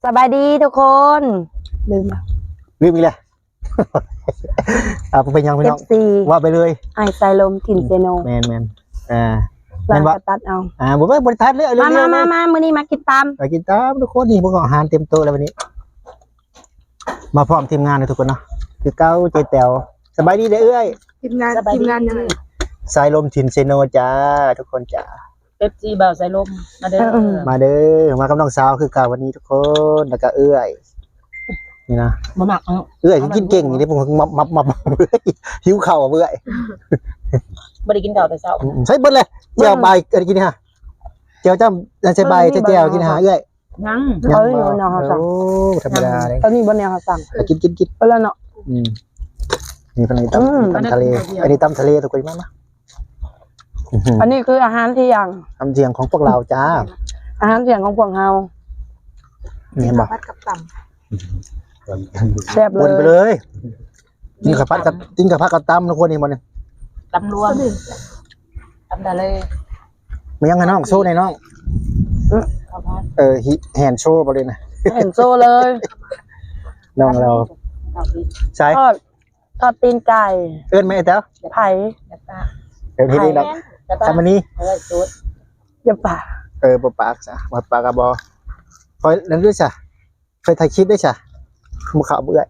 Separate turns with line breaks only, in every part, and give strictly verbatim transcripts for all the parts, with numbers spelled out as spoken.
สบายดีทุกคนลืมแล้ว
ลืมอีกแล้วอ่าเป็นยังพี่น้องว่าไปเลย
ไอไซลมถิ่นเซโน
แมนแมนอ่า
แมนว่าตัดเอา
อ่าบอกว่าบริษัทเลย
มามามามามื้อนี้มากินตาม
มากินตามทุกคนนี่พวกอาหารเต็มโต๊ะแล้ววันนี้มาพร้อมทีมงานเลยทุกคนเนาะคือเก้าเจแต๋วสบายดีเด้อเอ้ย
ทีมงานทีมงานยังไง
สายลมถิ่นเซโนจ้าทุกคนจ้า
เอฟซีบ่าวสายลมมาเด้อ
มาเด้อมากับน้องสาวคือเก่าวันนี้ทุกคนแล้วก็เอ้ยนี่นะ
มาหมัก
เอ้ยกินเก่งอย่างนี้ผมมับมับมับเบื่อหิวเข่าเบื่อ
ไม่ได้กินเก่าแต่เช้า
ใช่เบิ้ลเลยเจียวใบเอ้ยกินฮะเจียวจ้ำใช่ใบใช่เจียวกินหาเอ้ย
ยัง
เอ้ยอยู่แนวเขาสั่ง
โอ้ธรรมดาเลย
ตอนนี้บนแนวเขาสั่ง
กินกินกิน
ไปแล้วเนาะ
อืมนี่เป็นตำตำทะเลอันนี้ตำทะเลทุกคนมั้ยนะ
อันนี้คืออาหารที่ยัง
ทำเสียงของพวกเราจ้า
อาหารเสียงของพวกเรา
นี่เห็นป่ะ
พัดกับต่
ำแซ่บเลย
วนไปเลยนี่กับพัดกับจิ้งกับพัดกับตำทุกคนนี่มันเนี่ย
ตำรวมตำทะเล
มันยังไงน้องโซ่ในน้องเออแฮนโชว์ไปเลยนะ
เห็นโซ่เลย
น้องเราใช่
ทอดทอดตีนไก่
เอิ้นไหมเต้า
ไผ่
เดี๋ยวทีนี้เราทำมันนี้
อย่าป่า
เออปปากจ้ะมาปากกระบอคอยนั่นด้วยจ้ะเคยถ่ายคลิปด้วยจ้ะมือขาวเบื่อ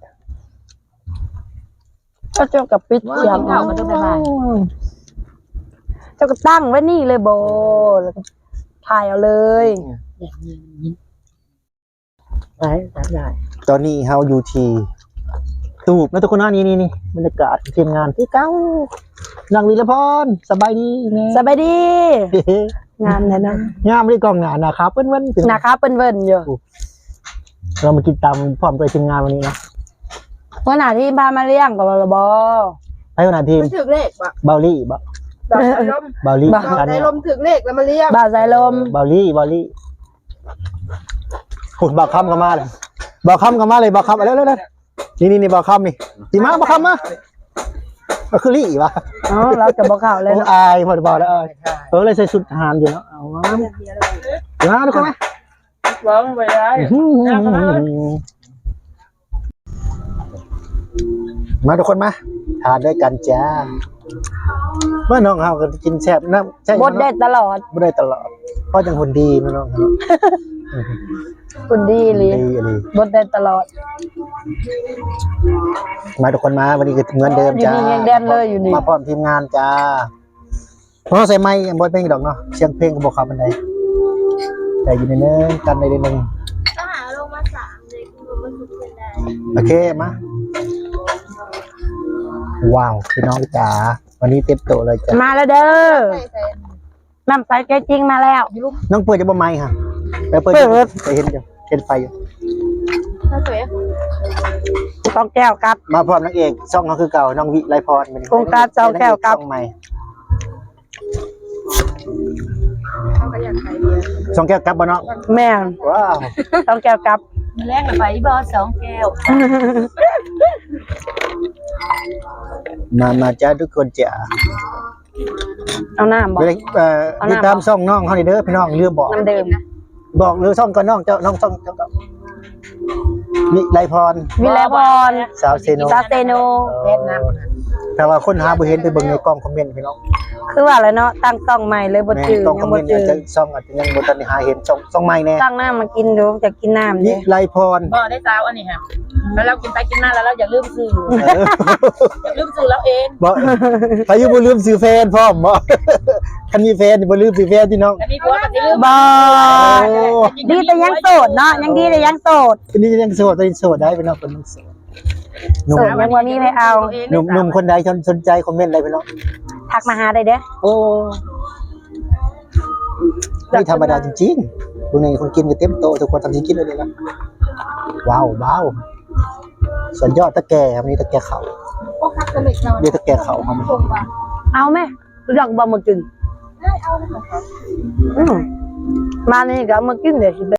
เจ้าเจ้ากับปิดเสียง
เก่ากันทุกแบบ
เจ้าก็ตั้งไว้นี่เลยโบแล้วก็ถ่ายเอาเลย
ไปตามได้
ตอนนี้เฮาอยู่ที่ตูบนะทุกคนนะนี่นี่นี่บรรยากาศทีมงานที่เก้านางวีรพรสบายดี
สบายดีงานเนี่ยนะ
งามเลยกองงานนะครับเปิ้นเปิ้น
นะครับเปิ้นเปิ้นอยู่
เรามากินตามพร้อมตัวทีมงานวันนี้นะ
วันหน้าที่พามาเลี้ยงกับเราบอ
ไอ้วันหน้าทีม
ถึกเลขปะ
เบลลี่บ่
บ่าวสายลม
เบลลี่
บ่าวสายลมถึกเลขแล้วมาเลี้ยง
บ่าวสายลม
เบลลี่เบลลี่หุ่นบ่าวคำกันมาเลยบ่าวคำกันมาเลยบ่าวคำเร็วเร็วเร็วนี่นี่นี่บ่าวคำนี่จีมาบ่าวคำมาก็คือลี่วะ
อ๋อเราจะบอกข่าวเลย
เนาะอายพอบอกแล้วเออเออเลยใส่ชุดทหารอยู่เนาะเอาวะเดี๋ยวนะทุกคนไหม
ร้องไปได้
มาทุกคนมาทานด้วยกันจ้าเมื่อน้องเฮาก็กินแซ่บนะ
ใช่บดได้ตลอด
บดได้ตลอดเพราะจังหุ่นดีนะน้อง
หุ่นดีเลยบดได้ตลอด
มาทุกคนมาวันนี้คือเหมือนเดิมจ้า
อยู่นี่ยังแดนเลยอยู่นี่
มาพร้อมทีมงานจ้าเพราะใส่ไม้บดเพลงดอกเนาะเสียงเพลงก็บอกคำบันไดแต่อยู่ในเนื้อกันในเรื่องนึง
ก็หาลงมาสามเลยคือมันสุดเป็นได้
โอเคมาว้าวพี่น้องจ๋าวันนี้เต็มโตเลยจ้า
มาแล้วเด้อน้ำใสแกจริงมาแล้ว
น้องเปิดจะบ่ไม้ค่ะไปเปิดไปเห็นอยู่เห็นไฟอยู่
ต้องแก้วกับ
มาพร้อมนางเอกช่องเขาคือเก่าน้องวิไลพรเป็น
โครงการเจ้าแก้วกับ
ช่องใหม่ช่องแก้วกับบ่เนาะ
แม่
ว้าว
ต้องแก้วกับ
แรกแบบไปบอสองแก้ว
มามาจ้าทุกคนจ้า
เอาหน้าบอก
เอ่อติดตามช่องน้องเขาเด้อพี่น้องเรือบอก
น้ำเดิม
บอกเรือช่องก่อนน้องเจ้าน้องช่องเจ้าก็วิไลพร
วิไลพร
สาวเซโน
สาวเซโน
เล่นน้
ำแต่ว่าคนหาบ่เห็นไปเบิ่งในกล้องคอมเมนต์พี่น้อง
คือว่าอะไรเนาะตั้งช่องใหม่เลยบ่จืด
ยังบ่จืดช่องอาจจะยังบ่ทันได้หาเห็นช่องช่องใหม่แน่
ตั้งน้ามากินดูจะกินน้ำ
วิไลพร
บ่ได้สาวอันนี้ค่ะแล้วเรากินไปกินมาแล้วเราอย่าลืมซื้ออย่าลืมซื้อเราเอง
บ่พายุบ่ลืมซื้อแฟนพร้อมบ่คันมีแฟนบ่ลืมซื้อแฟนพี่น้อง
อันนี้ผัวก็สิลืม
บ่ดีแต่ยังโสดเนาะยังดีแต่ยังโสด
อันนี้ยังโสดแต่โสดได้พี่น้องคนโสด
หนุ่มยังว่ามีให้เอา
หนุ่มหนุ่มคนใดสนใจคอมเมนต์อะไรพี่น้อง
ทักมาหาได้เด้อ
โอ้ไม่ธรรมดาจริงๆคนนี้คนกินก็เต็มโตทุกคนทำจริงกินเลยนะว้าวว้าวส่วนยอดตะแก่ครับนี่ตะแก่เขาเดี๋ยวตะแก่เขาครับ
เอาไหมรู้จักบ่มากินมานี่ก็มากินเดี๋ยวสิ